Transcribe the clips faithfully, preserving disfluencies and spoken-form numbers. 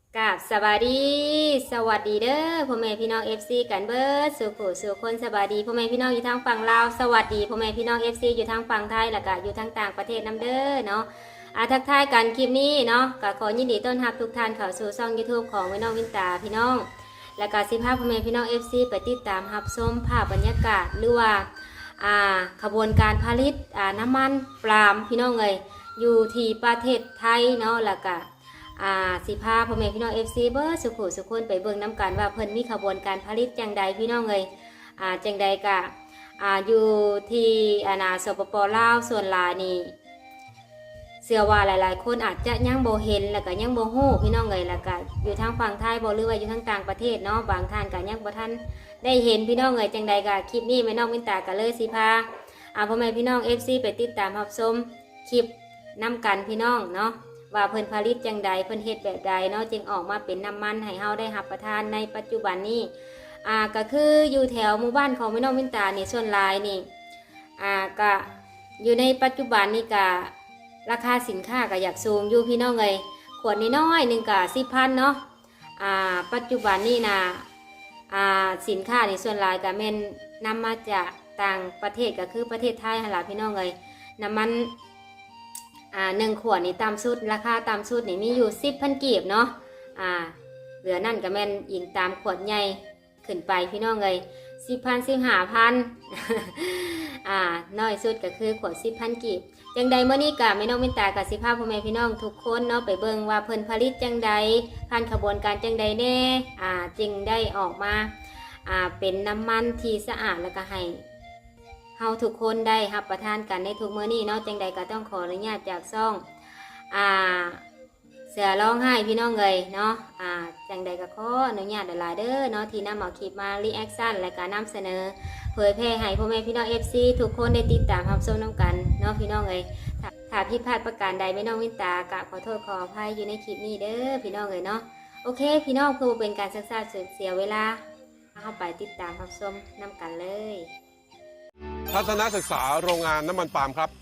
กับสวัสดีสวัสดีเด้อพ่อแม่พี่น้อง เอฟ ซี กันเบิดสู่ผู้สู่คนสวัสดีพ่อแม่พี่น้องอยู่ทางฝั่งลาวสวัสดีพ่อแม่พี่น้อง เอฟ ซี อยู่ทางฝั่งไทยแล้วก็อยู่ทางต่างประเทศนำเด้อเนาะอาทักทายกันคลิปนี้เนาะก็ขอยินดีต้อนรับทุกท่านเข้าสู่ช่อง YouTube ของแม่น้องวินตาพี่น้องแล้วก็สิพาพ่อแม่พี่น้อง เอฟ ซี ไปติดตามรับชมภาพบรรยากาศหรือว่าอ่าขบวนการผลิตอ่าน้ำมันปาล์มพี่น้องเอ้ยอยู่ที่ประเทศไทยเนาะแล้วก็อ่าสิพาพ่อแม่พี่น้อง เอฟ ซี เบิร์ดสุขุสุขคนไปเบิ่งน้ำกันว่าเพิ่นมีขบวนการผลิตจังใดพี่น้องเอ้ยอ่าจังใดกะอ่าอยู่ที่อาณาสปปลาวส่วนหลายนี่เชื่อว่าหลายๆคนอาจจะยังบ่เห็นแล้วก็ยังบ่ฮู้พี่น้องเอ้ยแล้วก็อยู่ทางฝั่งไทยบ่หรือว่าอยู่ทางต่างประเทศเนาะบางท่านก็ยังบ่ทันได้เห็นพี่น้องเอ้ยจังใดกะคลิปนี้แม่น้องวินตาก็เลยสิพาอ่าพ่อแม่พี่น้อง เอฟ ซี ไปติดตามรับชมคลิปนำกันพี่น้องเนาะว่าเพิ่นผลิตจังใดเพิ่นเฮ็ดแบบใดเนาะจึงออกมาเป็นน้ำมันให้เฮาได้รับประทานในปัจจุบันนี้อ่าก็คืออยู่แถวหมู่บ้านของแม่น้องวินตานี่ส่วนหลายนี่อ่าก็อยู่ในปัจจุบันนี่ก็ราคาสินค้าก็อยากสูงอยู่พี่น้องเอ้ยขวดน้อยๆหนึ่งก็สิบพันเนาะอ่าปัจจุบันนี่นะอ่าสินค้านี่ส่วนหลายก็แม่นนำมาจากต่างประเทศก็คือประเทศไทยหั่นล่ะพี่น้องเอ้ยน้ำมันอ่าหนึ่งขวดนี่ตามสุดราคาตามสุดนี่มีอยู่สิบพันกีบเนาะอ่าเหลือนั่นก็แม่นยิงตามขวดใหญ่ขึ้นไปพี่น้องเลยสิบพันสิบห้าพันอ่าน้อยสุดก็คือขวดสิบพันกีบจังใดเมื่อนี้กะแม่น้องวินตากับสิภาพพ่อแม่พี่น้องทุกคนเนาะไปเบิ่งว่าเพิ่นผลิตจังใดผ่านขบวนการจังใดแน่อ่าจึงได้ออกมาอ่าเป็นน้ำมันที่สะอาดแล้วก็ให้เฮาทุกคนได้รับประทานกันในทุกมื้อนี้เนาะจังใดก็ต้องขออนุญาตจากซ่องอ่าเสือร้องไห้พี่น้องเลยเนาะอ่าจังใดก็ขออนุญาตหลายๆเด้อเนาะที่นำเอาคลิปมารีแอคชั่นและก็นำเสนอเผยแพร่ให้พ่อแม่พี่น้อง เอฟ ซี ทุกคนได้ติดตามรับชมน้ำกันเนาะพี่น้องเลยถ้าถ้าผิดพลาดประการใดแม่น้องวินตากะขอโทษขออภัยอยู่ในคลิปนี้เด้อพี่น้องเลยเนาะโอเคพี่น้องเพื่อเป็นการศึกษาเสียเวลาเข้าไปติดตามรับชมน้ำกันเลยทัศนศึกษาโรงงานน้ำมันปาล์มครับ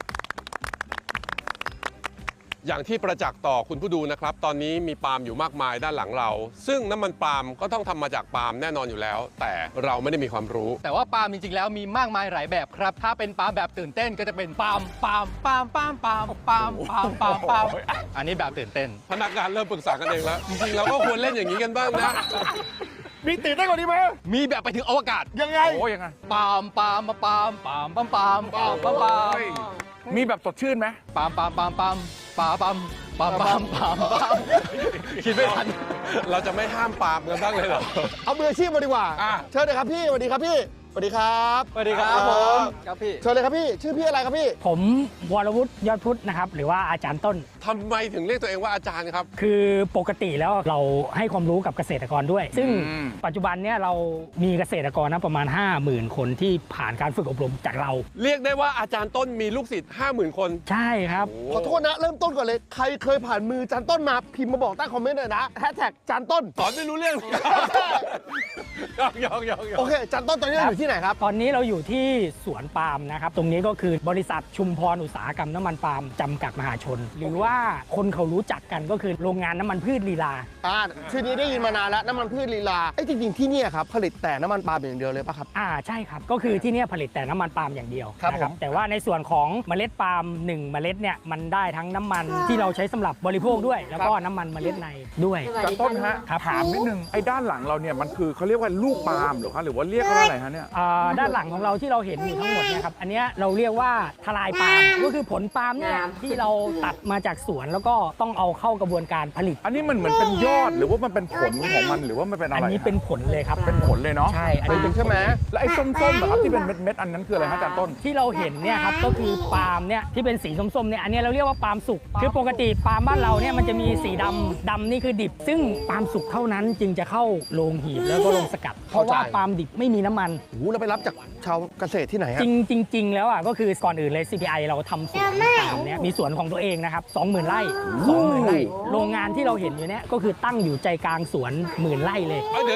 อย่างที่ประจักษ์ต่อคุณผู้ดูนะครับตอนนี้มีปาล์มอยู่มากมายด้านหลังเราซึ่งน้ำมันปาล์มก็ต้องทำมาจากปาล์มแน่นอนอยู่แล้วแต่เราไม่ได้มีความรู้แต่ว่าปาล์มจริงๆแล้วมีมากมายหลายแบบครับถ้าเป็นปาล์มแบบตื่นเต้นก็จะเป็นปาล์มปาล์มปาล์มปาล์มปาล์มปาล์มปาล์มปาล์มปาล์มอันนี้แบบตื่นเต้นพนักงานเริ่มปรึกษากันเองแล้วจริงๆเราก็ควรเล่นอย่างนี้กันบ้างนะมีตื่นเต้นกว่านี้ไหมมีแบบไปถึงอวกาศยังไงโอ้ยังไงปาล์มปาล์มปาล์มปาล์มปาล์มปาล์มปาล์มปาล์มปาล์มมีแบบสดชื่นไหมปาล์มปาล์มปาล์มปาล์มปาล์มปาล์มปาล์มปาล์มปาล์มปาล์มคิดไม่ทันเราจะไม่ห้ามปาล์มกันบ้างเลยเหรอเอามืออาชีพมาดีกว่าเชิญเลยครับพี่สวัสดีครับพี่สวัสดีครับสวัสดีครับผมครับพี่เชิญเลยครับพี่ชื่อพี่อะไรครับพี่ผมวรวุฒิยอดพุทธนะครับหรือว่าอาจารย์ต้นทำไมถึงเรียกตัวเองว่าอาจารย์ครับคือปกติแล้วเราให้ความรู้กับเกษตรกรด้วยซึ่งปัจจุบันเนี้ยเรามีเกษตรกรนะประมาณ ห้าหมื่น คนที่ผ่านการฝึกอบรมจากเราเรียกได้ว่าอาจารย์ต้นมีลูกศิษย์ ห้าหมื่น คนใช่ครับขอโทษนะเริ่มต้นก่อนเลยใครเคยผ่านมืออาจารย์ต้นมาพิมพ์มาบอกใต้คอมเมนต์หน่อยนะแฮชแท็กอาจารย์ต้นสอนไม่รู้เรื่องยอกยอกยอกโอเคอาจารย์ต้นตอนนี้เราอยู่ที่ไหนครับตอนนี้เราอยู่ที่สวนปาล์มนะครับตรงนี้ก็คือบริษัทชุมพรอุตสาหกรรมน้ำมันปาล์มจำกัดมหาชนหรือว่าคนเขารู้จักกันก็คือโรงงานน้ำมันพืชลีลาอ่าชื่อนี้ได้ยินมานานแล้วน้ำมันพืชลีลาไอ้จริงๆที่นี่ครับผลิตแต่น้ำมันปาล์มอย่างเดียวเลยป่ะครับอ่าใช่ครับก็คือที่นี่ผลิตแต่น้ำมันปาล์มอย่างเดียวนะครับแต่ว่าในส่วนของเมล็ดปาล์มหนึ่งเมล็ดเนี่ยมันได้ทั้งน้ำมันที่เราใช้สำหรับบริโภคด้วยแล้วก็น้ำมันเมล็ดในด้วยอาจารย์ต้นฮะถามนิดนึงไอ้ด้านหลังเราเนี่ยมันคือเขาเรียกว่าลูกปาล์มหรือคะหรือว่าเรียกว่าอะไรฮะเนี่ยด้านหลังของเราที่เราเห็นอยู่ทั้งหมดเนี่ยครับอันนี้เราเรียกว่าทลายปาล์มก็คือผลปาล์มเนี่ยที่เราตัดมาจากสวนแล้วก็ต้องเอาเข้ากระบวนการผลิตอันนี้มันเหมือนเป็นยอดหรือว่ามันเป็นผลของมันหรือว่ามันเป็นอะไรอันนี้เป็นผลเลยครับเป็นผลเลยเนาะใช่อันนี้ใช่ไหมแล้วไอ้ส้มๆนะครับที่เป็นเม็ดๆอันนั้นคืออะไรฮะอาจารย์ต้นที่เราเห็นเนี่ยครับก็คือปาล์มเนี่ยที่เป็นสีส้มๆเนี่ยอันนี้เราเรียกว่าปาล์มสุกคือปกติปาล์มบ้านเราเนี่ยมันจะมีสีดำดำนี่คือดิบซึ่งปาล์มสุกเท่านั้นจึงจะเข้าโรงหีบแล้วก็โรงสกัดเพราะว่าปาล์มดิบไม่มีน้ำมันโอ้เราไปรับจากชาวเกษตรที่ไหนฮะจริงจริงๆแล้วอ่ะก็คือก่อนอื่นเลย ซี พี ไอ เราทำสวนปาล์มเนี่ยมีสวนของตัวเองนะครับ สองหมื่น ไร่ สองหมื่น ไร่โรงงานที่เราเห็นอยู่เนี่ยก็คือตั้งอยู่ใจกลางสวนหมื่นไร่เลยเดี๋ยวนะ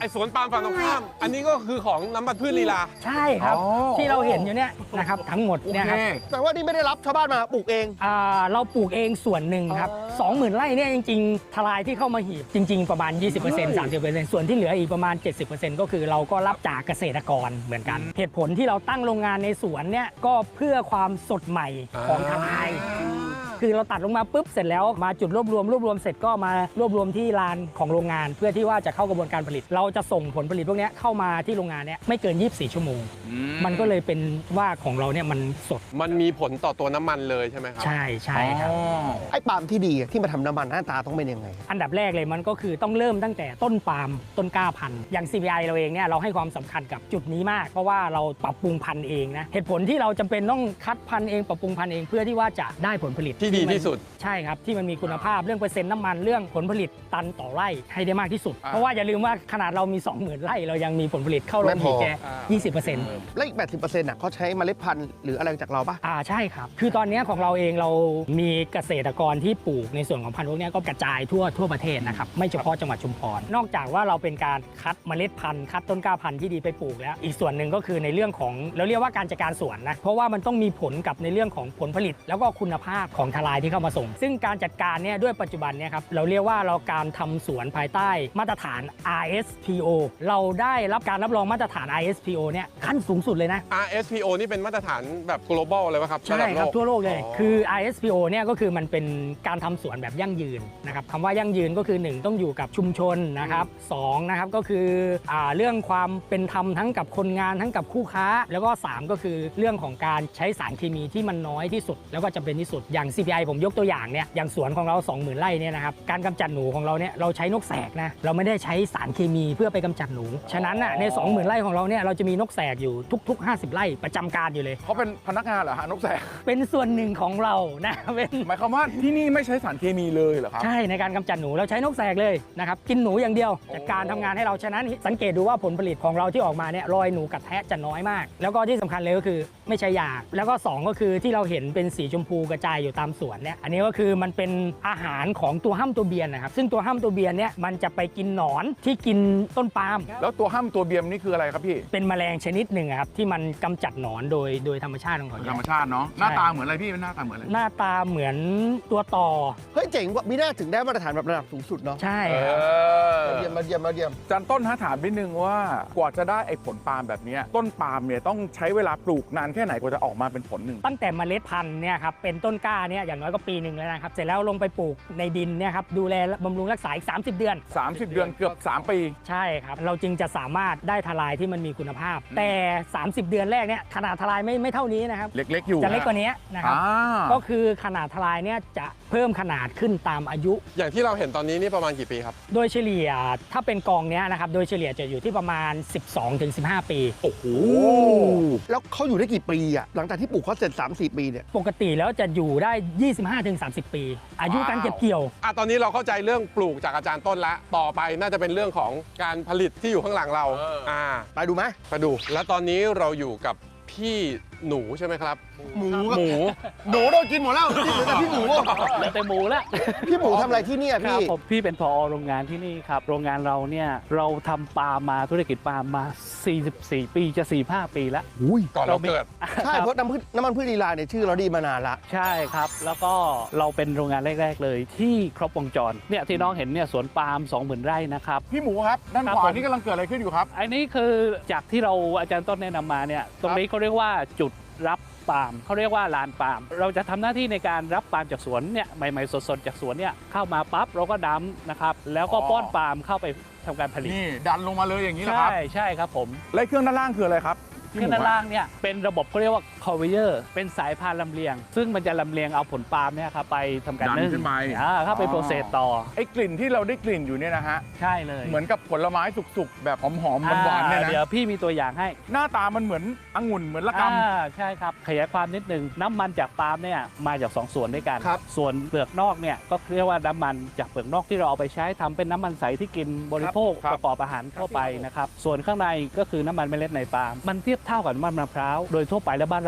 ไอ้สวนปาล์มฝั่งตรงข้าม อันนี้ก็คือของน้ำมันพืชลีลาใช่ครับอ๋อที่เราเห็นอยู่เนี่ยนะครับทั้งหมดโอเนี่ยเคครับแต่ว่านี่ไม่ได้รับชาวบ้านมาปลูกเองอ่าเราปลูกเองส่วนหนึ่งครับสองหมื่นไร่เนี่ยจริงๆทลายที่เข้ามาหีบจริง ๆ ประมาณ ยี่สิบเปอร์เซ็นต์ สามสิบเปอร์เซ็นต์ ส่วนที่เหลืออีกประมาณ เจ็ดสิบเปอร์เซ็นต์ ก็คือเราก็รับจากเกษตรกรเหมือนกัน เหตุผลที่เราตั้งโรงงานในสวนเนี่ยก็เพื่อความสดใหม่ของทลาย คือเราตัดลงมาปุ๊บเสร็จแล้วมาจุดรวบรวมรวบรวมเสร็จก็มารวบรวมที่ลานของโรงงาน เพื่อที่ว่าจะเข้ากระบวนการผลิต เราจะส่งผลผลิตพวกนี้เข้ามาที่โรงงานเนี่ยไม่เกินยี่สิบสี่ชั่วโมง มันก็เลยเป็นว่าของเราเนี่ยมันสดมันมีผลต่อตัวน้ำมันเลยใช่ไหมครับใช่ใช่ครับอ๋อไอ้ปาล์มที่ดีอะที่มาทำน้ำมันหน้าตาต้องเป็นยังไงอันดับแรกเลยมันก็คือต้องเริ่มตั้งแต่ต้นปาล์มต้นกล้าพันธุ์อย่าง ซี พี ไอ เราเองเนี่ยเราให้ความสำคัญกับจุดนี้มาก เพราะว่าเราปรับปรุงพันธุ์เองนะเหตุผลที่เราจำเป็นต้องคัดพันธุ์เองปรับปรุงพันธุ์เองเพื่อที่ว่าจะได้ผลผลิตที่ดีที่สุดใช่ครับที่มันมีคุณภาพเรื่องเปอร์เซ็นต์น้ำมันเรื่องผลผลิตตันต่อไร่ให้ได้มากที่สุดอ่าเพราะว่าอย่าลืมว่าขนาดเรามี สองหมื่น ไร่เรายังมีผลผลิตเข้าโรงหีบแค่ยี่สิบเปอร์เซ็นต์แล้วอีก แปดสิบเปอร์เซ็นต์อ่ะเขาใช้เมล็ดพันธุ์หรืออะไรจากเราปะอ่าใช่ครับ คือตอนนี้ของเราเองเรามีเกษตรกรที่ปลูกในส่วนของพันธุ์พวกนี้ก็กระจายทั่วทั่วประเทศนะครับไม่เฉพาะจังหวัดชุมพร นอกจากว่าเราเป็นการคัดเมล็ดพันธุ์คัดต้นกล้าพันธุ์ที่ดีไปปลูกแล้ว อีกส่วนหนึ่งก็คือในเรื่องของเราเรียกว่าการจัดการสวนนะเพราะว่ามันต้องมีผลกับในเรื่องของผลผลิต แล้วก็คุณภาพของทลายที่เข้ามาส่ง ซึ่งการจัดการเนี่ยด้วยปัจจุบันเนี่ยครับเราเรียกว่าเราการทำสวนภายใต้มาตรฐาน อาร์ เอส พี โอ เราได้รับการรับรองมาตรฐาน อาร์ เอส พี โอ เนี่ยขั้นสูงสุดเลยนะอาร์ เอส พี โอ นี่เป็นมาตรฐานแบบ global เลยป่ะครับใช่ครับะดัโลกทั่วโลกเลยอ๋อคือ อาร์ เอส พี โอ เนี่ยก็คือมันเป็นการทำสวนแบบยั่งยืนนะครับคำว่ายั่งยืนก็คือ หนึ่ง ต้องอยู่กับชุมชนนะครับสองนะครับก็คืออ่าเรื่องความเป็นธรรมทั้งกับคนงานทั้งกับคู่ค้า แล้วก็สามก็คือเรื่องของการใช้สารเคมีที่มันน้อยที่สุด แล้วก็จำเป็นที่สุดอย่าง ซี พี ไอ ผมยกตัวอย่างเนี่ยอย่างสวนของเรา สองหมื่น ไร่เนี่ยนะครับการกำจัดหนูของเราเนี่ยเราใช้นกแสกนะเราไม่ได้ใช้สารเคมีเพื่อไปกำจัดหนูฉะนั้นน่ะใน สองหมื่น ไร่ของเราเนี่ยเราจะมีนกแสกอยู่ทุกๆห้าสิบไร่ประจำการอยู่เลยเขาเป็นพนักงานเหรอฮะนกแสกเป็นส่วนหนึ่งของเรานะเป็นหมายความว่าที่นี่ไม่ใช้สารเคมีเลยเหรอครับใช่ในการกำจัดหนูเราใช้นกแสกเลยนะครับกินหนูอย่างเดียวจากการทำงานให้เราฉะนั้นสังเกตดูว่าผลผลิตของเราที่ออกมาเนี่ยรอยหนูกัดแทะจะน้อยมาก แล้วก็ที่สำคัญเลยก็คือไม่ใช่ยาแล้วก็สองก็คือที่เราเห็นเป็นสีชมพูกระจายอยู่ตามสวนเนี่ยอันนี้ก็คือมันเป็นอาหารของตัวห้ำตัวเบียนนะครับซึ่งตัวห้ำตัวเบียนเนี่ยมันจะไปกินหนอนที่กินต้นปาล์มแล้วตัวห้ามตัวเบียมนี่คืออะไรครับพี่เป็นแมลงชนิดหนึ่งอะครับที่มันกำจัดหนอนโดยโดยธรรมชาติของเขาธรรมชาติเนาะหน้าตาเหมือนอะไรพี่หน้าตาเหมือนอะไรหน้าตาเหมือนตัวต่อเฮ้ยเจ๋งว่ะมีหน้าถึงได้มาตรฐานแบบระดับสูงสุดเนาะใช่เอครับอเยี่ยมมาเยี่ยมมาเยี่ยมจันต้นฮะถามนิดนึงว่ากว่าจะได้ไอ้ผลปาล์มแบบเนี้ยต้นปาล์มเนี่ยต้องใช้เวลาปลูกนานแค่ไหนกว่าจะออกมาเป็นผลหนึ่งตั้งแต่เมล็ดพันธุ์เนี่ยครับเป็นต้นกล้าเนี่ยอย่างน้อยก็ปีหนึ่งแล้วนะครับเสร็จแล้วลงไปปลูกในดินเนี่ยครับดูแลบำรุงรักษาอีกสามสิบเดือนสามสิบ เดือนเกือบ สาม ปีใช่ครับเราจึงจะสามารถได้ทลายที่มันมีคุณภาพ แต่ สามสิบ เดือนแรกเนี่ยขนาดทลายไม่ไม่เท่านี้นะครับเล็ก ๆ อยู่จะเล็กกว่านี้นะครับอ่าก็คือขนาดทลายเนี่ยจะเพิ่มขนาดขึ้นตามอายุอย่างที่เราเห็นตอนนี้นี่ประมาณกี่ปีครับโดยเฉลี่ยถ้าเป็นกองเนี้ยนะครับโดยเฉลี่ยจะอยู่ที่ประมาณ สิบสองถึงสิบห้า ปีโอ้โหแล้วเขาอยู่ได้กี่ปีอ่ะหลังจากที่ปลูกเขาเสร็จ สามสี่ ปีเนี่ยปกติแล้วจะอยู่ได้ ยี่สิบห้าถึงสามสิบ ปี อายุการเก็บเกี่ยวอ่ะตอนนี้เราเข้าใจเรื่องปลูกจากอาจารย์ต้นแล้ว ต่อไปน่าจะเป็นเรื่องของการผลิตที่อยู่ข้างหลังเราเอออ่อ่าไปดูไหมไปดู แล้วตอนนี้เราอยู่กับพี่หนูใช่ไหมครับหมูหมูหนูโดนกินหมดแล้วที่เหลือแต่พี่หมูเหลือแต่หมูแล้วพี่หมูทำอะไรที่เนี่ยครับพี่ผมพี่เป็นผอโรงงานที่นี่ครับ โรงงานเราเนี่ยเราทำปาล์มมาธุรกิจปาล์มมา สี่สิบสี่ ปีจะ สี่สิบห้า ปีแล้วอุ้ยก่อนเราเกิดใช่เพราะน้ำพืชน้ำมันพืชลีลาเนี่ยชื่อเราดีมานานละใช่ครับ แล้วก็เราเป็นโรงงานแรก ๆ เลยที่ครบวงจรเนี่ยที่น้องเห็นเนี่ยสวนปาล์ม สองหมื่น ไร่นะครับพี่หมูครับด้านครับขวาผมนี่กำลังเกิดอะไรขึ้นอยู่ครับอันนี้คือจากที่เราอาจารย์ต้นแนะนำมาเนี่ยตรงนี้เขาเรียกว่าจุดรับปาล์มเขาเรียกว่าลานปาล์มเราจะทำหน้าที่ในการรับปาล์มจากสวนเนี่ยใหม่ๆสดๆจากสวนเนี่ยเข้ามาปั๊บเราก็ดัมนะครับแล้วก็อ๋อป้อนปาล์มเข้าไปทำการผลิตนี่ดันลงมาเลยอย่างนี้เหรอคใช่รับใช่ครับผมและเครื่องด้านล่างคืออะไรครับเครื่องด้านล่างเนี่ยเป็นระบบเขาเรียกว่า conveyor เป็นสายพานลำเลียง ซึ่งมันจะลำเลียงเอาผลปาล์มเนี่ยครับไปทำการดันนึ่งขึ้นไปอ่าเข้าไปอ๋อโปรเซสต่อไอ้กลิ่นที่เราได้กลิ่นอยู่เนี่ยนะฮะใช่เลยเหมือนกับผลไม้สุกๆ แบบหอมๆหวานๆเนี่ยอ่าเดี๋ยวนะพี่มีตัวอย่างให้หน้าตามันเหมือนองุ่นเหมือนละกอ่าใช่ครับขยายความนิดนึงน้ำมันจากปาล์มเนี่ยมาจากสองส่วนด้วยกันครับส่วนเปลือกนอกเนี่ยก็เรียกว่าน้ำมันจากเปลือกนอกที่เราเอาไปใช้ทำเป็นน้ำมันใสที่กินบริโภคประกอบอาหารทั่วไปนะครับส่วนข้างในก็คือน้ำมันเมล็ดในปาล์มมันเทียบเท่ากับน้ำมันมะพร้าวโดยทั่วไปแล้วบ้านเรา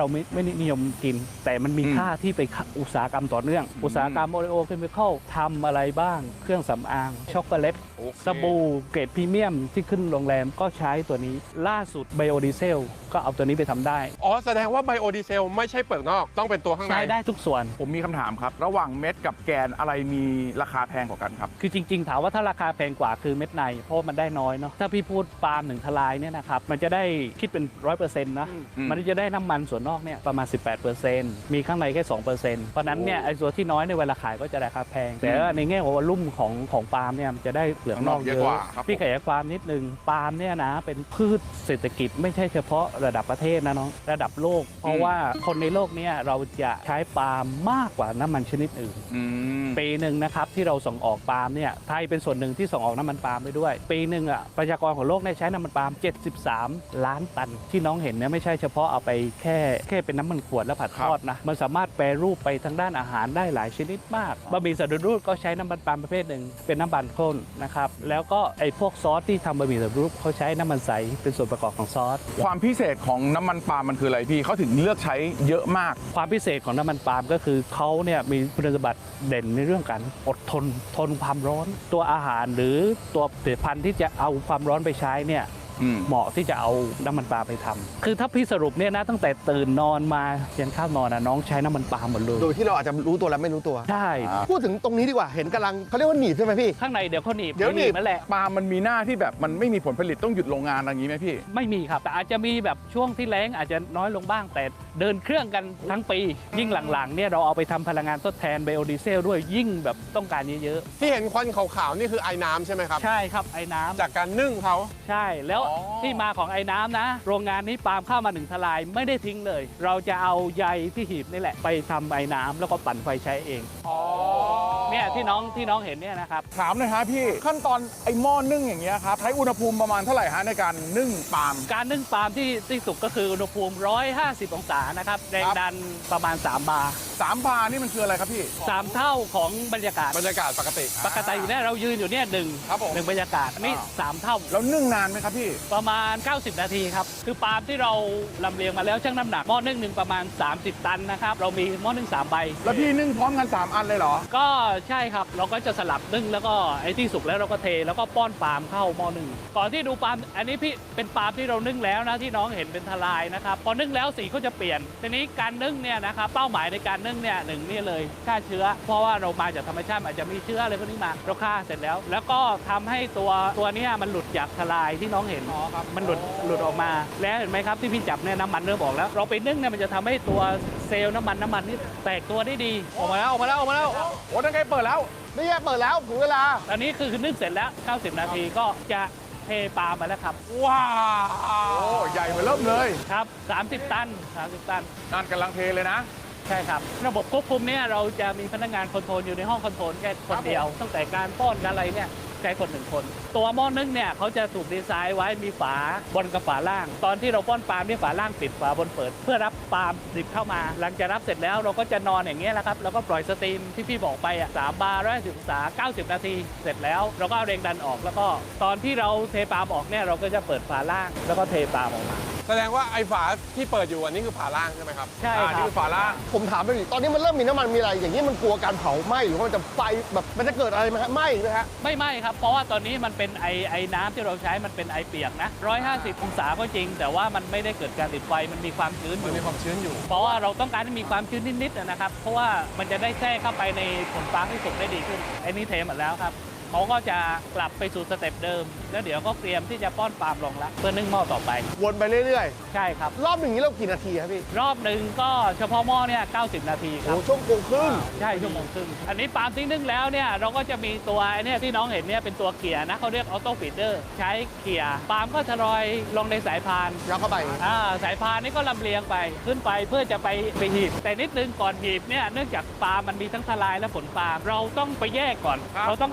เราไม่ไม่นิยมกิน แต่มันมีอืมค่าที่ไปอุตสาหกรรมต่อเนื่อง อุตสาหกรรมโอเรโอเคมีคอลทำอะไรบ้าง เครื่องสำอาง ช็อกโกแลตโอเคสบู่เกรดพรีเมียมที่ขึ้นโรงแรมก็ใช้ตัวนี้ ล่าสุดไบโอดีเซลก็เอาตัวนี้ไปทำได้อ๋อแสดงว่าไบโอดีเซลไม่ใช่เปลือกนอกต้องเป็นตัวข้างในใช้ได้ทุกส่วนผมมีคำถามครับ ระหว่างเม็ดกับแกนอะไรมีราคาแพงกว่ากันครับคือจริงๆ ถามว่าถ้าราคาแพงกว่าคือเม็ดใน เพราะมันได้น้อยเนาะ ถ้าพี่พูดปาล์มหนึ่งทลายเนี่ยนะครับ มันจะได้คิดเป็น ร้อยเปอร์เซ็นต์ นะอืมมันจะได้น้ำมันส่วนนอกเนี่ยประมาณ สิบแปดเปอร์เซ็นต์ มีข้างในแค่ สองเปอร์เซ็นต์ เพราะนั้นเนี่ยไอ้ส่วนที่น้อยในยเวลาขายก็จะราคาแพง แต่ว่าในแง่ของวอลลุ่มของของปาล์มเนี่ยมันจะได้เปลือกนอกเยเยอะอะกว่าครับพี่ขยายความนิดนึง ปาล์มเนี่ยนะเป็นพืชเศรษฐกิจไม่ใช่เฉพาะระดับประเทศนะน้อง ระดับโลก เพราะว่าคนในโลกเนี่ยเราจะใช้ปาล์มมากกว่าน้ำมันชนิดอื่นอืมปีหนึ่งนะครับที่เราส่งออกปาล์มเนี่ยไทยเป็นส่วนหนึ่งที่ส่งออกน้ำมันปาล์มไปด้วย ปีหนึ่งอ่ะประชากรของโลกเนี่ยใช้น้ำมันปาล์มเจ็ดสิบสามล้านตัน ที่น้องเห็นเนี่ยไม่ใช่เฉพาะเอาไปแค่แค่เป็นน้ำมันขวดแล้วผัดทอดนะมันสามารถแปรรูปไปทางด้านอาหารได้หลายชนิดมากบะหมี่สำเร็จรูปก็ใช้น้ำมันปาล์มประเภทหนึ่งเป็นน้ำมันข้นนะครับแล้วก็ไอ้พวกซอสที่ทำบะหมี่สำเร็จรูปเขาใช้น้ำมันใสเป็นส่วนประกอบของซอสความพิเศษของน้ำมันปาล์มมันคืออะไรพี่เขาถึงเลือกใช้เยอะมากความพิเศษของน้ำมันปาล์มก็คือเขาเนี่ยมีคุณสมบัติเด่นในเรื่องการอดทนทนความร้อน ตัวอาหารหรือตัวผลิตภัณฑ์ที่จะเอาความร้อนไปใช้เนี่ยอืมเหมาะที่จะเอาน้ำมันปาล์มไปทำคือถ้าพี่สรุปเนี่ยนะตั้งแต่ตื่นนอนมายันข้าวนอนนะน้องใช้น้ำมันปาล์มหมดเลยโดยที่เราอาจจะรู้ตัวและไม่รู้ตัวใช่พูดถึงตรงนี้ดีกว่า เห็นกำลังเขาเรียกว่าหนีบใช่ไหมพี่ข้างในเดี๋ยวเขาหนีบเดี๋ยวหนีบนั่นแหละปาล์มมันมีหน้าที่แบบมันไม่มีผลผลิตต้องหยุดโรงงานอะไรอย่างนี้ไหมพี่ไม่มีครับแต่อาจจะมีแบบช่วงที่แล้งอาจจะน้อยลงบ้างแต่เดินเครื่องกันทั้งปี ยิ่งหลังๆเนี่ยเราเอาไปทำพลังงานทดแทนไบโอดีเซลด้วยยิ่งแบบต้องการเยอะที่เห็นควันขาวๆนี่คือไอ้น้ำใช่ไหมครับๆใช่ครับไอ้น้ำจากการนึ่งเขาใช่แล้วอ๋อที่มาของไอ้น้ำนะ โรงงานนี้ปาล์มเข้ามาหนึ่งทลายไม่ได้ทิ้งเลย เราจะเอาใยที่หีบนี่แหละไปทำไอ้น้ำแล้วก็ปั่นไฟใช้เองอ๋อเนี่ยที่น้องที่น้องเห็นเนี่ยนะครับถามหน่อยฮะพี่ขั้นตอนไอ้หม้อนึ่งอย่างเงี้ยครับใช้อุณหภูมิประมาณเท่าไหร่ฮะในการนึ่งปาล์มการนึ่งปาล์มที่ที่สุกก็คืออุณหภูมิหนึ่งร้อยห้าสิบองศานะครับแรงดันประมาณสามบาร์สามบาร์นี่มันคืออะไรครับพี่สามเท่าของบรรยากาศบรรยากาศปกติปกติอยู่เนี่ยเรายืนอยู่เนี่ยหนึ่งครับผมหนึ่งบรรยากาศอันนี้อ่าสามเท่าแล้วนึ่งนานไหมครับพี่ประมาณ เก้าสิบ นาทีครับ คือปาล์มที่เราลำเลียงมาแล้วชั่งน้ำหนักหม้อนึ่งหนึ่งประมาณ สามสิบ ตันนะครับ เรามีหม้อนึ่งสามใบแล้วพี่นึ่งพร้อมกันสามอันเลยเหรอก็ใช่ครับ เราก็จะสลับนึ่งแล้วก็ไอ้ที่สุกแล้วเราก็เทแล้วก็ป้อนปาล์มเข้าหม้อนึ่งก่อนที่ดูปาล์มอันนี้พี่เป็นปาล์มที่เรานึ่งแล้วนะที่น้องเห็นเป็นทลายนะครับพอนึ่งแล้วสีก็จะเปลี่ยนทีนี้การนึ่งเนี่ยนะครับเป้าหมายในการนึ่งเนี่ยหนึ่งนี่เลยฆ่าเชื้อ เพราะว่าเรามาจากธรรมชาติอาจจะมีเชื้ออะไรพวกนี้มาเราฆ่าเสร็จแล้ว แล้วก็ทำให้ตัวตัวเนี้มันหลุดจากทลายที่น้องเห็นมันหลุดหลุดออกมาแล้วเห็นไหมครับที่พี่จับเนี่ยน้ำมันเริ่มออกแล้ว เราไปนึ่งเนี่ยมันจะทำให้ตัวเซลล์น้ำมันน้ำมันนี่แตกตัวได้ดีออกมาแล้วออกมาแล้วออกมาแล้วโอ้ตั้งใจเปิดแล้วไม่แย่เปิดแล้วถึงเวลาอันนี้คือนึ่งเสร็จแล้ว เก้าสิบ นาทีก็จะเทปลามาแล้วครับว้าว โอ้ใหญ่มาเริ่มเลยครับ สามสิบ ตัน สามสิบ ตันนั่นกำลังเทเลยนะใช่ครับ ระบบควบคุมเนี่ยเราจะมีพนักงานคอนโทรลอยู่ในห้องคอนโทรลแค่คนเดียว ตั้งแต่การป้อนการอะไรเนี่ยใช้คนหนึ่งคน ตัวหม้อนึ่งเนี่ยเขาจะถูกดีไซน์ไว้มีฝาบนกับฝาล่าง ตอนที่เราป้อนปาล์มเนี่ยฝาล่างปิดฝาบนเปิด เพื่อรับปาล์มดิบเข้ามา หลังจากรับเสร็จแล้วเราก็จะนอนอย่างเงี้ยแหละครับแล้วก็ปล่อยสตรีมที่พี่บอกไปอ่ะสามบาร์ร้อยสิบองศาเก้าสิบ นาทีเสร็จแล้วเราก็เอาแรงดันออก แล้วก็ตอนที่เราเทปาล์มออกเนี่ยเราก็จะเปิดฝาล่าง แล้วก็เทปาล์มออกมาแสดงว่าไอ้ฝาที่เปิดอยู่อันนี้คือฝาล่างใช่ไหมครับใช่อ่าคนี่รับคือฝาล่างผมถามไปดิตอนนี้มันเริ่มมีน้ำมันมีอะไร อย่างนี้มันกลัวการเผาไหม้หรือว่ามันจะไฟแบบมันจะเกิดอะไรไหมฮะไหม้ไหมฮะไม่ไหม้ครับ เพราะว่าตอนนี้มันเป็นไอไอน้ำที่เราใช้มันเป็นไอเปียกนะหนึ่งร้อยห้าสิบองศาก็จริง แต่ว่ามันไม่ได้เกิดการติดไฟมันมีความชื้นอมันยู่มีความชื้นอยู่เพราะว่าเราต้องการให้มีความชื้นนิดๆนะครับ เพราะว่ามันจะได้แทรกเข้าไปในผลปาล์มให้สุกได้ดีขึ้นไอ้นี่เทหมดแล้วครับเขาก็จะกลับไปสู่สเต็ปเดิม แล้วเดี๋ยวก็เตรียมที่จะป้อนปาล์มลงละเพื่อนึ่งหม้อต่อไปวนไปเรื่อยใช่ครับๆ รอบหนึ่งนี้เรากี่นาทีครับพี่รอบหนึ่งก็เฉพาะหม้อเนี่ยเก้าสิบ นาทีคโอ้รับช่วงโมงครึ่งใช่ชั่วโมงครึ่งอันนี้ปาล์มที่นึ่งแล้วเนี่ยเราก็จะมีตัวไอ้เนี่ยที่น้องเห็นเนี่ยเป็นตัวเกียร์นะเขาเรียกออโต้ฟีดเดอร์ใช้เกียร์ปาล์มก็จะลอยลงในสายพานยัดเข้าไปอ่าสายพานนี่ก็ลำเลียงไปขึ้นไปเพื่อจะไปไปหีบ แต่นิดนึงก่อนหีบเนี่ยเนื่องจากปาล์มมันมีทั้งทลายและผลปาล์มเราต้องไปแยกก่อนครับเราต้องเอาผลปาล์ม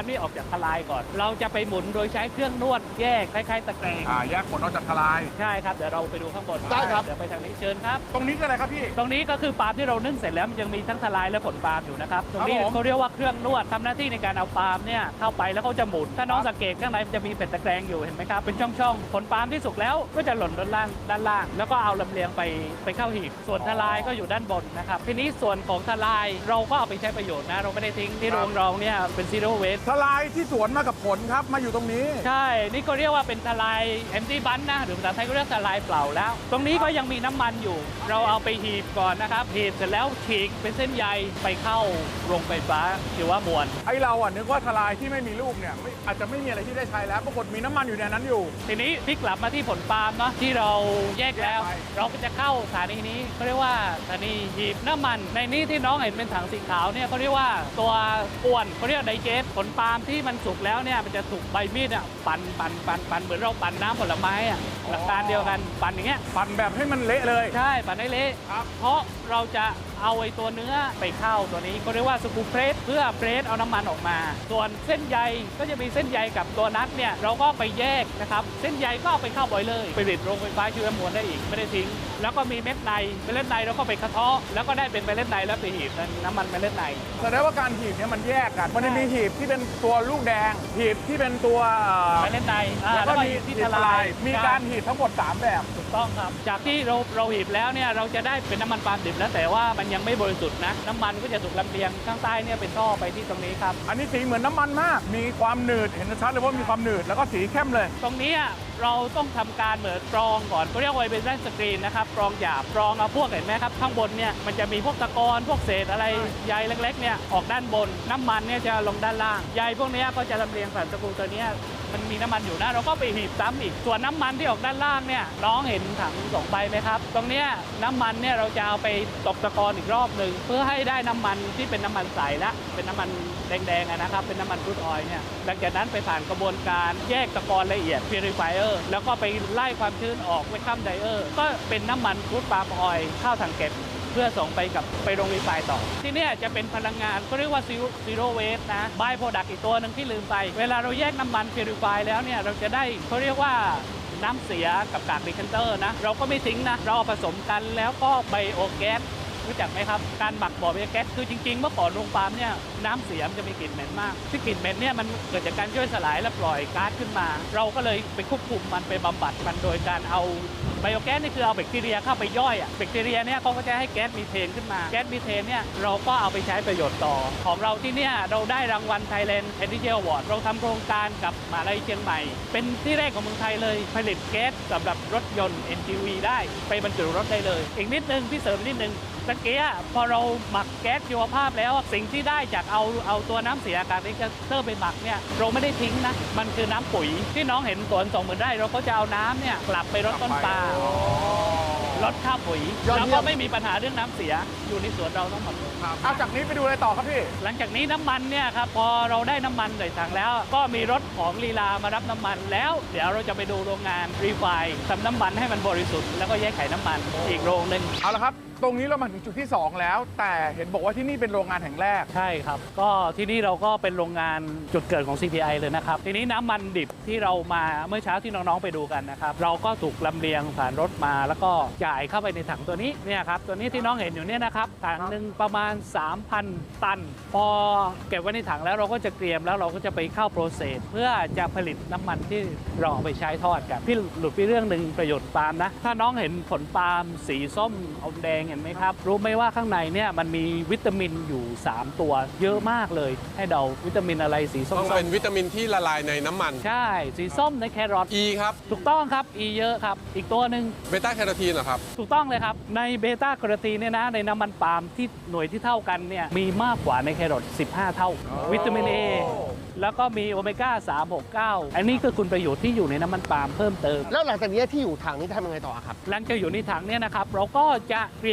นี่ออกจากทลายก่อน เราจะไปหมุนโดยใช้เครื่องนวดแยกคล้ายๆตะแกรงอ่าแยกผลออกจากทลายใช่ครับเดี๋ยวเราไปดูข้างบนได้ครับเดี๋ยวไปทางนี้เชิญครับตรงนี้คืออะไรครับพี่ตรงนี้ก็คือปาล์มที่เรานึ่งเสร็จแล้วมันยังมีทั้งทลายและผลปาล์มอยู่นะครับตรงนี้ครับผมเขาเรียกว่าเครื่องนวดทำหน้าที่ในการเอาปาล์มเนี่ยเข้าไปแล้วเขาจะหมุนถ้าน้องสังเกตข้างในมันจะมีเป็นตะแกรงอยู่เห็นไหมครับเป็นช่องๆผลปาล์มที่สุกแล้วก็จะหล่นด้านล่างด้านล่าง แล้วก็เอาลำเลียงไปไปเข้าหีบส่วนทลายก็อยู่ด้านบนนะครับทีนี้ส่วนของทลายเราก็เอาไปใช้ประโยชน์นะเราไม่ได้ทิ้งที่โรงเราเนี่ยเป็นซีโร่เวสทลายที่สวนมากับผลครับมาอยู่ตรงนี้ใช่ นี่ก็เรียกว่าเป็นทลาย empty bun นะ หรือภาษาไทยก็เรียกทลายเปล่าแล้ว ตรงนี้ก็ยังมีน้ำมันอยู่ เราเอาไปหีบก่อนนะครับ หีบเสร็จแล้วฉีกเป็นเส้นใยไปเข้าโรงไฟฟ้าหรือว่ามวลไอเราอ่ะนึกว่าทลายที่ไม่มีลูกเนี่ยไม่อาจจะไม่มีอะไรที่ได้ใช้แล้วปรากฏมีน้ำมันอยู่ในนั้นอยู่ทีนี้พลิกกลับมาที่ผลปาล์มเนาะที่เราแยกแล้วแยกไปเราก็จะเข้าสถานีนี้เขาเรียกว่าสถานีหีบน้ำมัน ในนี้ที่น้องเห็นเป็นถังสีขาวเนี่ยเขาเรียกว่าตัวกวนเขาเรียกไดเจสผลปาล์มที่มันสุกแล้วเนี่ยมันจะถูกใบมีดอ่ะปั่นปั่นปั่นปั่นเหมือนเราปั่นน้ำผลไม้อ่ะหลักการเดียวกันปั่นอย่างเงี้ยปั่นแบบให้มันเละเลยใช่ปั่นให้เละครับเพราะเราจะเอาไอ้ตัวเนื้อไปเข้าตัวนี้ก็เรียกว่าสกูเพรสเพื่อเพรสเอาน้ำมันออกมา ส่วนเส้นใยก็จะมีเส้นใยกับตัวนัทเนี่ยเราก็ไปแยกนะครับเส้นใยก็เอาไปเข้าบอยเลอร์ไปผลิตโรงไฟฟ้าชีวมวลได้อีกไม่ได้ทิ้งแล้วก็มีเม็ดในเมล็ดในเราก็ไปกระเทาะแล้วก็ได้เป็นเมล็ดในแล้วไปหีบเป็นน้ำมันเมล็ดในแสดงว่าการหีบเนี่ยมันแยกกันมันจะมีหีบที่เป็นตัวลูกแดง หีบที่เป็นตัวเอ่อเมล็ดในอ่าแล้วแล้ก็วก็มีหีบที่ที่ททลาลาย ยมีการหีบทั้งหมดสามแบบถูกต้องครับจากที่เราเราหีบแล้วเนี่ยเราจะได้เป็นน้ำมันปาล์มดิบแล้วแต่ว่ามันยังไม่บริสุทธิ์นะน้ำมันก็จะถูกลำเลียงข้างใต้เนี่ยเป็นท่อไปที่ตรงนี้ครับอันนี้สีเหมือนน้ำมันมาก มีความหนืดเห็นชัดเลยว่ามีความหนืดแล้วก็สีเข้มเลยตรงนี้เราต้องทำการเหมือนกรองก่อนเขาเรียกว่าเป็นแว่นสกรีนนะครับกรองหยาบกรองเอาพวกเห็นไหมครับข้างบนเนี่ยมันจะมีพวกตะกอนพวกเศษอะไรใยเล็กๆเนี่ยออกด้านบนน้ำมันเนี่ยจะลงด้านล่างใยพวกเนี้ยก็จะลำเลียงผ่านสกรูตัวเนี้ยมันมีน้ำมันอยู่นะเราก็ไปหีบซ้ำอีกส่วนน้ำมันที่ออกด้านล่างเนี่ยน้องเห็นถังสองใบไหมครับตรงเนี้ยน้ำมันเนี่ยเราจะเอาไปตกตะกอนอีกรอบหนึ่งเพื่อให้ได้น้ำมันที่เป็นน้ำมันใสละเป็นน้ำมันแดงๆอะนะครับเป็นน้ำมันครูดออยล์เนี่ยหลังจากนั้นไปผ่านกระบวนการแยกตะกอนละเอียด purifier แล้วก็ไปไล่ความชื้นออกไว้ข้ามไดเออร์ก็เป็นน้ำมันครูดปาล์มออยล์เข้าถังเก็บเพื่อส่งไปกับไปโรงรีไฟน์ต่อ ที่เนี่ยจะเป็นพลังงานเขาเรียกว่า zero waste นะ by product อีกตัวหนึ่งที่ลืมไป เวลาเราแยกน้ำมัน purify แล้วเนี่ยเราจะได้เขาเรียกว่าน้ำเสียกับกากดีแคนเตอร์นะเราก็ไม่ทิ้งนะเราเอาผสมกันแล้วก็ไบโอแก๊สรู้จักไหมครับการหมักบ่อไบโอแก๊สคือจริงๆเมื่อก่อนโรงปาล์มเนี่ยน้ำเสียมันจะมีกลิ่นเหม็นมากที่กลิ่นเหม็นเนี่ยมันเกิดจากการย่อยสลายและปล่อยก๊าซขึ้นมา เราก็เลยไปควบคุมมันไปบำบัดมันโดยการเอาไบโอแก๊สนี่คือเอาแบคทีเรียเข้าไปย่อยอ่ะแบคทีเรียเนี่ยเขาก็จะให้แก๊สมีเทนขึ้นมาแก๊สมีเทนเนี่ยเราก็เอาไปใช้ประโยชน์ต่อของเราที่เนี่ยเราได้รางวัล Thailand Energy Award เราทำโครงการกับมหาวิทยาลัยเชียงใหม่ เป็นที่แรกของเมืองไทยเลยผลิตแก๊สสำหรับรถยนต์ เอ็น จี วี ได้ไปบรรจุรถได้เลยอีกนิดนึงพี่เสริมนิดนึงตะเกียพอเราหมักแก๊สชีวภาพแล้วสิ่งที่ได้จากเอาเอาตัวน้ำเสียกากดีแคนเตอร์ไปหมักเนี่ยเราไม่ได้ทิ้งนะมันคือน้ำปุ๋ยที่น้องเห็นสวนสองหมื่นไร่เราก็จะเอาน้ำเนี่ยกลับไปรดต้นปาล์มลดค่าปุ๋ยยอดเยี่ยมแล้วก็ไม่มีปัญหาเรื่องน้ำเสียอยู่ในสวนเราทั้งหมดเลยเอาจากนี้ไปดูอะไรต่อครับพี่หลังจากนี้น้ำมันเนี่ยครับพอเราได้น้ำมันใส่ถังแล้ว ก็มีรถของลีลามารับน้ำมันแล้วเดี๋ยวเราจะไปดูโรงงานรีไฟน์ทำน้ำมันให้มันบริสุทธิ์แล้วก็แยกไขน้ำมันอีกโรงหนึ่งเอาละครับ ตรงนี้เรามาถึงจุดที่สองแล้ว แต่เห็นบอกว่าที่นี่เป็นโรงงานแห่งแรกใช่ครับ ก็ที่นี่เราก็เป็นโรงงานจุดเกิดของ ซี พี ไอ เลยนะครับ ทีนี้น้ำมันดิบที่เรามาเมื่อเช้าที่น้องๆไปดูกันนะครับ เราก็ถูกลำเลียงผ่านรถมาแล้วก็จ่ายเข้าไปในถังตัวนี้เนี่ยครับตัวนี้ที่น้องเห็นอยู่เนี่ยนะครับถังหนึ่งประมาณ สามพัน ตัน พอเก็บไว้ในถังแล้วเราก็จะเตรียมแล้วเราก็จะไปเข้าโปรเซสเพื่อจะผลิตน้ำมันที่เราเอาไปใช้ทอดกันพี่หลุดไปเรื่องหนึ่งประโยชน์ปาล์มนะถ้าน้องเห็นผลปาล์มสีส้มอมแดงเห็นไหมครับรู้ไหมว่าข้างในเนี่ยมันมีวิตามินอยู่สามตัวเยอะมากเลยให้เดาวิตามินอะไรสีส้มต้องเป็นวิตามินที่ละลายในน้ำมันใช่สีส้มในแครอท E ครับถูกต้องครับ E เยอะครับอีกตัวหนึ่งเบต้าแคโรทีนเหรอครับถูกต้องเลยครับ ในเบต้าแคโรทีนเนี่ยนะในน้ำมันปาล์มที่หน่วยที่เท่ากันเนี่ยมีมากกว่าในแครอทสิบห้า เท่า วิตามิน A แล้วก็มีโอเมก้าสาม หก เก้าอันนี้คือคุณประโยชน์ที่อยู่ในน้ำมันปาล์มเพิ่มเติมแล้วหลังจากนี้ที่อยู่ถังนี้ทำยังไงต่อครับหลังจากอยู่ในถังเนี่ยนะครับเราก็จะเตรียม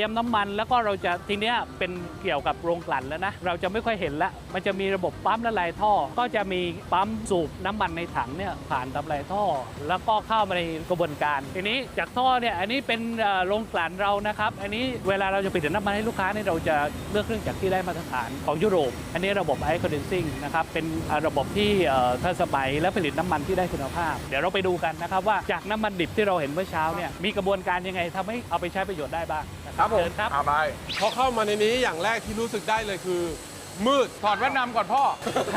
รียมน้ำมันแล้วก็เราจะทีเนี้ยเป็นเกี่ยวกับโรงกลั่นแล้วนะเราจะไม่ค่อยเห็นละมันจะมีระบบปั๊มละลายท่อก็จะมีปั๊มสูบน้ำมันในถังเนี่ยผ่านละลายท่อ แล้วก็เข้ามาในกระบวนการทีนี้จากท่อเนี่ยอันนี้เป็นโรงกลั่นเรานะครับอันนี้เวลาเราจะผลิตน้ำมันให้ลูกค้าเนี่ยเราจะเลือกเครื่องจักรที่ได้มาตรฐานของยุโรปอันนี้ระบบไอคอนเดนซิ่งนะครับเป็นระบบที่ทันสมัยและผลิตน้ำมันที่ได้คุณภาพเดี๋ยวเราไปดูกันนะครับว่าจากน้ำมันดิบที่เราเห็นเมื่อเช้าเนี่ยมีกระบวนการยังไงทำให้เอาไปใช้ประโยชน์ได้บ้างนะครับผมครับเอาไปพอเข้ามาในนี้อย่างแรกที่รู้สึกได้เลยคือ มืดถอดแว่นดำก่อนพ่อ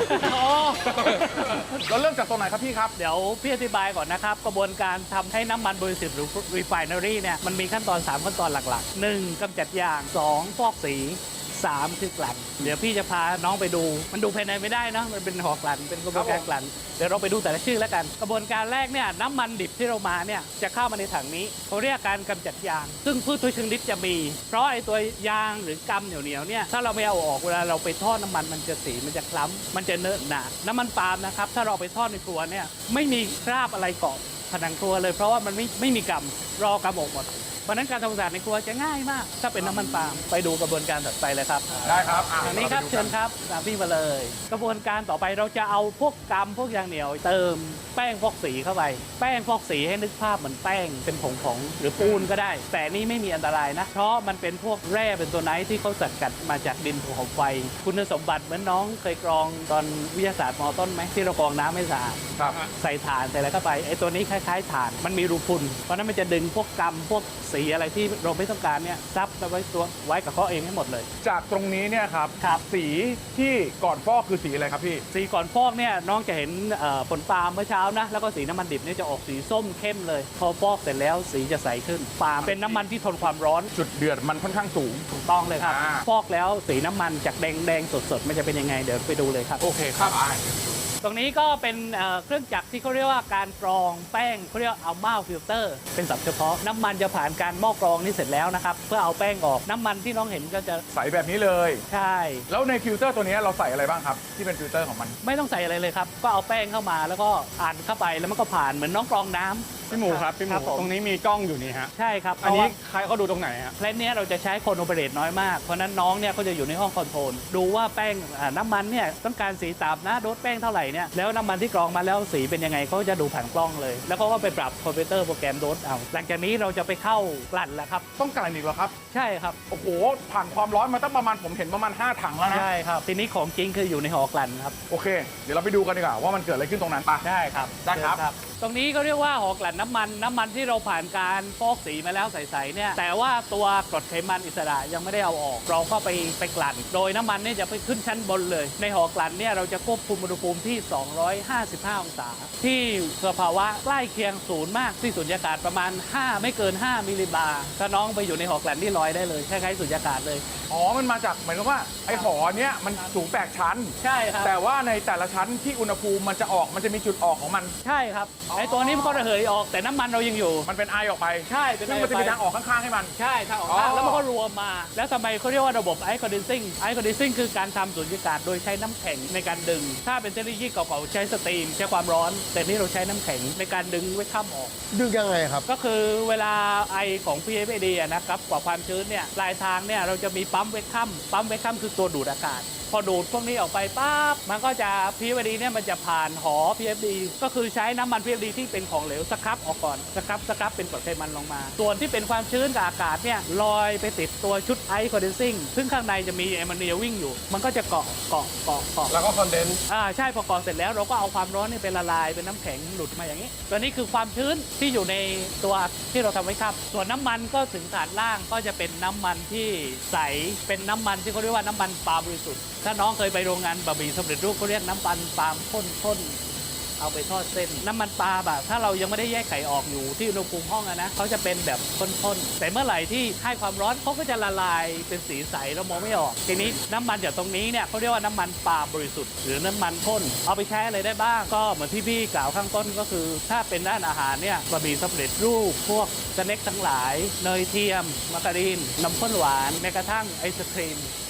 เราเริ่มจากตรงไหนครับพี่ครับเดี๋ยวพี่อธิบายก่อนนะครับกระบวนการทำให้น้ำมันบริสุทธิ์หรือ refinery เนี่ยมันมีขั้นตอนสามขั้นตอนหลักๆหนึ่งกำจัดยางสองฟอกสีสามคือกลั่นเดี๋ยวพี่จะพาน้องไปดูมันดูภายในไม่ได้นะมันเป็นหอกลั่นเป็นกระบวนการกลั่นเดี๋ยวเราไปดูแต่ละชื่อแล้วกันกระบวนการแรกเนี่ยน้ำมันดิบที่เรามาเนี่ยจะเข้ามาในถังนี้เขาเรียกการกำจัดยางซึ่งพืชทุกชนิดจะมีเพราะไอ้ตัวยางหรือกำเหนียวๆเนี่ยถ้าเราไม่เอาออกเวลาเราไปทอดน้ำมันมันจะสีมันจะคล้ำมันจะเนอะหนาน้ำมันปาล์มนะครับถ้าเราไปทอดในครัวเนี่ยไม่มีคราบอะไรเกาะผนังครัวเลยเพราะว่ามันไม่ไม่มีกำรอกำออกหมดเพราะนั้นการทำความสะอาดในครัวจะง่ายมากถ้าเป็นน้ำมันปาล์มไปดูกระบวนการต่อไปเลยครับได้ครับอ่ะทางนี้ครับเชิญครับตามพี่มาเลย กระบวนการต่อไปเราจะเอาพวกกำพวกยางเหนียวเติมแป้งฟอกสีเข้าไปแป้งฟอกสีให้นึกภาพเหมือนแป้งเป็นผงผงหรือปูนก็ได้ แต่นี่ไม่มีอันตรายนะเพราะมันเป็นพวกแร่เป็นตัวไนท์ที่เขาสกัดมาจากดินภูเขาไฟคุณสมบัติเหมือนน้องเคยกรองตอนวิทยาศาสตร์มอต้นไหมที่เรากรองน้ำไม่สะอาดครับใส่ถ่านใส่อะไรเข้าไปไอ้ตัวนี้คล้ายๆถ่านมันมีรูพุนเพราะนั้นมันจะดึงพวกกำพวกสีอะไรที่เราไม่ต้องการเนี่ยซับไปไว้ตัวไว้กับเขาเองให้หมดเลยจากตรงนี้เนี่ยครับครับสีที่ก่อนฟอกคือสีอะไรครับพี่สีก่อนฟอกเนี่ยน้องจะเห็นเอ่อผลปาล์มเมื่อเช้านะแล้วก็สีน้ำมันดิบเนี่ยจะออกสีส้มเข้มเลยพอฟอกเสร็จแล้วสีจะใสขึ้นปาล์มเป็นน้ำมันที่ทนความร้อนจุดเดือดมันค่อนข้างสูงถูกต้องเลยครับอ่าฟอกแล้วสีน้ำมันจากแดงแดงๆสดๆมันจะเป็นยังไงเดี๋ยวไปดูเลยครับโอเคครับตรงนี้ก็เป็นเอ่อเครื่องจักรที่เขาเรียกว่าการกรองแป้งเขาเรียกอัลมาฟิลเตอร์เป็นศัพท์เฉพาะน้ำมันจะผ่านการหม้อกรองนี่เสร็จแล้วนะครับเพื่อเอาแป้งออกน้ำมันที่น้องเห็นก็จะใสแบบนี้เลยใช่แล้วในฟิลเตอร์ตัวนี้เราใส่อะไรบ้างครับ ที่เป็นฟิลเตอร์ของมันไม่ต้องใส่อะไรเลยครับก็เอาแป้งเข้ามาแล้วก็อ่านเข้าไปแล้วมันก็ผ่านเหมือนน้องกรองน้ำพี่หมูครับพี่หมูผมตรงนี้มีกล้องอยู่นี่ฮะใช่ครับอันนี้เพราะว่าใครเขาดูตรงไหนฮะเคล็ดเนี้ยเราจะใช้คนโอเปเรตน้อยมาก เพราะฉะนั้นน้องเนี่ยก็จะอยู่ในห้องคอนโทรลดูว่าแป้งอ่าน้ำมันเนี่ยต้องการสีต่ำนะโดสแป้งเท่าไหร่เนี่ยแล้วน้ำมันที่กรองมาแล้วสีเป็นยังไงเขาจะดูผ่านกล้องเลย แล้วเขาก็ไปปรับคอมพิวเตอร์โปรแกรมโดสเอาหลังจากนี้เราจะไปเข้ากลั่นแล้วครับต้องกลั่นอีกเหรอครับใช่ครับโอ้โห ผ่านความร้อนมาตั้งประมาณผมเห็นประมาณห้าถังแล้วนะใช่ครับทีนี้ของจริงคืออยู่ในหอกลั่นครับโอเค เดี๋ยวเราไปดูกันดีกว่าว่ามันเกิดอะไรขึ้นตรงนั้นไปได้ครับได้ครับเชิญตรงนี้ก็เรียกว่าหอกลั่นน้ำมันน้ำมันที่เราผ่านการฟอกสีมาแล้วใสๆเนี่ยแต่ว่าตัวกรดไขมันอิสระยังไม่ได้เอาออก เราก็ไปไปกลั่น โดยน้ำมันเนี่ยจะไปขึ้นชั้นบนเลย ในหอกลั่นเนี่ยเราจะควบคุมอุณหภูมิที่ สองร้อยห้าสิบห้า องศา ที่สภาวะใกล้เคียงศูนย์มากที่สุญญากาศประมาณ ห้า ไม่เกิน ห้า มิลลิบาร์ถ้าน้องไปอยู่ในหอกลั่นที่ลอยได้เลยคล้ายๆสุญญากาศเลยอ๋อ มันมาจากเหมือนกับว่าไอ้หอเนี้ยมันสูงแปดชั้นใช่ครับแต่ว่าในแต่ละชั้นที่อุณหภูมิมันจะออกมันจะมีจุดออกของมันใช่ครับไอ้ตัวนี้มันก็ระเหยออกแต่น้ำมันเรายังอยู่มันเป็นไอออกไปใช่เป็นซึ่งมันจะมีทางออกข้างๆให้มันใช่ทางออกอ๋อข้างแล้วมันก็รวมมา แล้วทำไมเขาเรียกว่าระบบไอคอนดิซิ่งไอคอนดิซิ่งคือการทำสุญญากาศโดยใช้น้ำแข็งในการดึง ถ้าเป็นเทคโนโลยีเก่าๆใช้สตรีมใช้ความร้อน แต่นี่เราใช้น้ำแข็งในการดึงไว้ข้ามออกดึงยังไงครับก็คือเวลาไอของ พี เอฟ เอ ดี อะนะครับกว่าความชื้นเนี่ยปลายทางเนี่ยเราจะมีปั๊มเวกคัมปั๊มเวกคัมคือตัวดูดอากาศ พอดูดพวกนี้ออกไปปั๊บมันก็จะ พี เอฟ ดี เนี่ยมันจะผ่านหอ พี เอฟ ดี ก็คือใช้น้ำมัน พี เอฟ ดี ที่เป็นของเหลวสครับออกก่อนสครับสครับเป็นกรดไขมันลงมา ส่วนที่เป็นความชื้นกับอากาศเนี่ยลอยไปติดตัวชุดไอคอนเดนซิ่งซึ่งข้างในจะมีแอมโมเนียวิ่งอยู่ มันก็จะเกาะเกาะเกาะเกาะแล้วก็คอนเดนซ์อ่าใช่พอก่อเสร็จแล้วเราก็เอาความร้อนนี่ไปละลายเป็นน้ำแข็งหลุดมาอย่างนี้ ตัวนี้คือความชื้นที่อยู่ในตัวที่เราทำไว้ครับ ส่วนน้ำมันก็ถึงฐานล่างก็จะเป็นน้ำมันที่ใสเป็นน้ำมันที่เขาเรียกว่าน้ำมันปาล์มบริสุทธิ์ถ้าน้องเคยไปโรงงานบะหมี่สำเร็จรูปเขาเรียกน้ำมันปาล์มข้นๆเอาไปทอดเส้นน้ำมันปลาแบบถ้าเรายังไม่ได้แยกไข่ออกอยู่ที่อุณหภูมิห้องอะนะเขาจะเป็นแบบข้นๆแต่เมื่อไหร่ที่ให้ความร้อนเขาก็จะละลายเป็นสีใสเรามองไม่ออกทีนี้น้ำมันจากตรงนี้เนี่ยเขาเรียกว่าน้ำมันปาล์มบริสุทธิ์หรือน้ำมันข้นเอาไปใช้อะไรได้บ้างก็เหมือนที่พี่กล่าวข้างต้นก็คือ ถ้าเป็นด้านอาหารเนี่ยบะหมี่สำเร็จรูปพวกสเน็คทั้งหลายเนยเทียมมาการีนน้ำข้นหวานแม้กระทั่งไอศครีม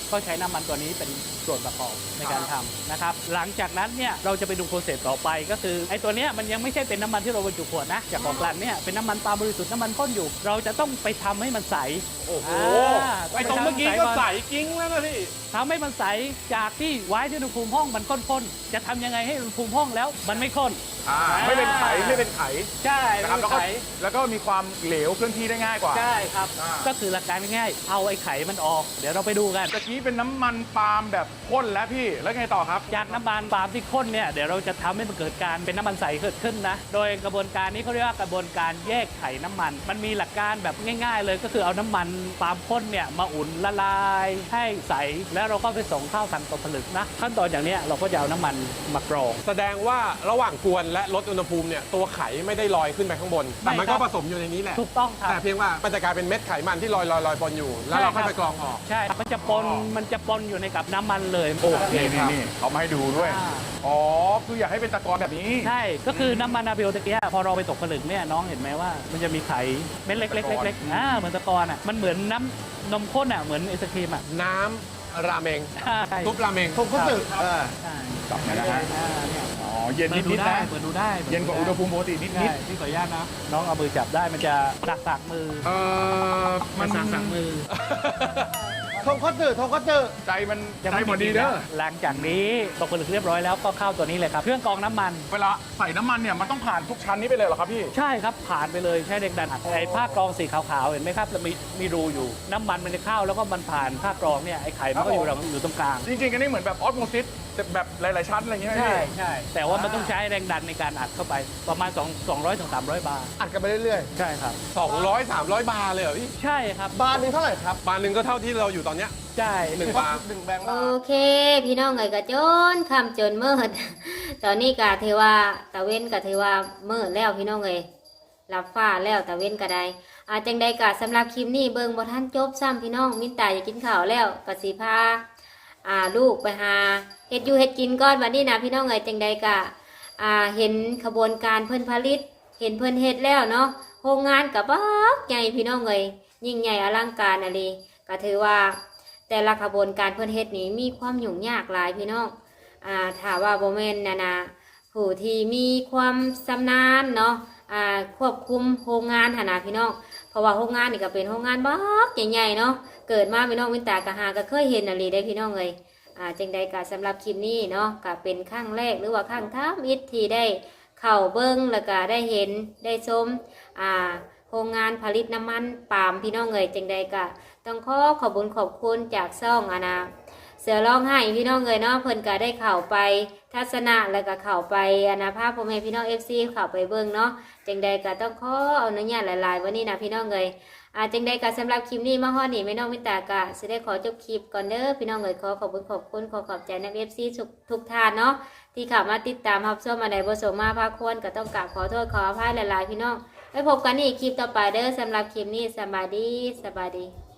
ก็ใช้น้ำมันตัวนี้เป็นส่วนประกอบในการทำนะครับหลังจากนั้นเนี่ยเราจะไปดูโปรเซสต่อไปก็คือไอ้ตัวเนี้ยมันยังไม่ใช่เป็นน้ำมันที่เราบรรจุขวดนะจากของกลั่นเนี่ยเป็นน้ำมันปาล์มบริสุทธิ์น้ำมันข้นอยู่ เราจะต้องไปทำให้มันใสโอ้โหอ่าไอตรงเมื่อกี้ก็ใสกิ้งแล้วนะพี่ทำให้มันใสจากที่ไว้ที่อุณหภูมิห้องมันข้นๆจะทำยังไงให้อุณหภูมิห้องแล้วมันไม่ข้นอ่าไม่เป็นไขไม่เป็นไขใช่นะครับไม่แล้วเป็นก็ไขแล้วก็มีความเหลวเคลื่อนที่ได้ง่ายกว่าใช่ครับอ่าก็คือหลักการง่ายๆเอาไอ้ไข่มันออก เดี๋ยวเราไปดูกันตะกี้เป็นน้ำมันปาล์มแบบข้นแล้วพี่แล้วไงต่อครับจากน้ำมันปาล์มที่ข้นเนี่ยเดี๋ยวเราจะทำให้มันเกิดการเป็นน้ำมันใสเกิดขึ้นนะโดยกระบวนการนี้เขาเรียกว่ากระบวนการแยกไข่น้ำมัน มันมีหลักการแบบง่าย ๆ เลยก็คือเอาน้ำมันปาล์มข้นเนี่ยมาอุ่นละลายให้ใสแล้วเราก็ไปส่งเข้าทางตัวผลึกนะขั้นตอนอย่างเนี้ยเราก็จะเอาน้ำมันมากรองแสดงว่าระหว่างกวนและลดอุณหภูมิเนี่ยตัวไข่ไม่ได้ลอยขึ้นไปข้างบน แต่มันก็ผสมอยู่ในนี้แหละถูกต้องครับแต่เพียงว่ามันจะกลายเป็นเม็ดไขมันที่ลอยลอยลอยปนอยู่ แล้วเราค่อยไปกรองออกใช่มันจะปนมันจะปนอยู่ในกับน้ำมันเลยโอเคนี่นี่เอามาให้ดูด้วยอ่าอ๋อ คืออยากให้เป็นตะกอนแบบนี้ใช่ ก็คือน้ำมันอาเบลตะกี้พอเราไปตกผลึกเนี่ยน้องเห็นไหมว่า มันจะมีไข่เม็ดเล็กๆเล็กๆอ่าเหมือนตะกอนอ่ะมันเหมือนน้ำนมข้นอ่ะเหมือนไอศครีมอ่ะน้ำราเมงใช่ซุปราเมงผมก็สึกเออใช่จับหน่อยนะฮะอ่าเนี่ยอ๋อ เย็นเปิดดูนิดๆได้นะเปิดดูได้เย็นกว่าอุณหภูมิปกตินิดใช่ที่ขออนุญาตนะ น้องเอามือจับได้มันจะสักสักๆมือๆเออมันสักสักๆมือทงคัตสึทงคัตสึใจมันยังใจไม่หมดดีเด้อหลังจากนี้ตกผลึกเรียบร้อยแล้วก็เข้าตัวนี้เลยครับเครื่องกรองน้ำมันเวลาใส่น้ำมันเนี่ยมันต้องผ่านทุกชั้นนี้ไปเลยเหรอครับพี่ใช่ครับผ่านไปเลยใช้แรงดันอัดไอ้ผ้ากรองสีขาวๆเห็นไหมครับแล้วมีมีรูอยู่ น้ำมันมันจะเข้าแล้วก็มันผ่านผ้ากรองเนี่ยไอ้ไข่มันก็อยู่ตรงอยู่ตรงกลางจริงๆอันนี้เหมือนแบบออสโมซิสแต่แบบหลายๆชั้นอะไรอย่างเงี้ยไหมใช่พี่ใช่แต่ว่ามันต้องใช้แรงดันในการอัดเข้าไปประมาณ2 200ถึง300 บาร์อัดกันไปเรื่อยใช่ครับสองร้อย สามร้อย บาร์เลยเหรอพี่ใช่ครับๆ บาร์หนึงเท่าไหร่ครับบาร์หนึ่งก็เท่าที่เราอยู่ตอนเนี้ยใช่หนึ่งบาร์หนึ่งแบงค์โอบาร์เค พี่น้องเอ๋ยกะจนคำจนมืด ตอนนี้กะเทว่าตะเว้นกะเทว่ามืดแล้วพี่น้องเอ๋ยรับฟ้าแล้วตะเว้นกะไดอาจังใดกะสำหรับคลิปนี้เบิ่งบ่ทันจบซ้ำพี่น้องมินตาอยากกินข้าวแล้วกะสิพาอ่าลูกไปหาเฮ็ดอยู่เฮ็ดกินก่อนวันนี้นะพี่น้องเอ๋ยจังใดกะอ่าเห็นขบวนการเพิ่นผลิต เห็นเพิ่นเฮ็ดแล้วเนาะโรงงานกะบักใหญ่พี่น้องเอ๋ยยิ่งใหญ่อลังการอะลีก็ถือว่า แต่ละขบวนการเพื่อนเฮ็ดนี้มีความยุ่งยากหลายพี่น้องอ่าถ้าว่าโบแมนนานาผู้ที่มีความชำนาญเนาะอ่าควบคุมโรงงานหนนาพี่น้องเพราะว่าโรงงานนี่ก็เป็นโรงงานบักใหญ่ๆเนาะเกิดมาพี่น้องวินตากะหาก็เคยเห็นอะไรได้พี่น้องเลยอ่าจังใดก็สำหรับคลิปนี้เนาะก็เป็นครั้งแรกหรือว่าครั้งท้ามิตรที่ได้เข้าเบิ้งแล้วก็ได้เห็นได้ชมอ่าโรงงานผลิตน้ำมันปาล์มพี่น้องเลยจังใดก็ ต้องขอขอบคุญขอบคุณจากซ่องอานาเสือร้องไห้พี่น้องเลยเนาะเพิ่นก็ได้เข้าไปทัศนะแล้วก็เข้าไปอานาภาพพ่อแม่พี่น้องเอฟซีเข้าไปเบิ่งเนาะจังใดก็ต้องขออนุญาตหลายๆวันนี้นะพี่น้องเลยอาจังใดก็สำหรับคลิปนี้มาฮอดนี่แม่น้องมิตากะสิได้ขอจบคลิปก่อนเด้อพี่น้องเลยขอขอบคุณขอบคุณขอขอบใจนักเอฟซีทุกท่านเนาะที่เข้ามาติดตามรับชมมาในบ่สมมาภาคควรก็ต้องกราบขอโทษขออภัยหลายๆพี่น้องไว้พบกันอีกคลิปต่อไปเด้อสำหรับคลิปนี้สบายดีสบายดี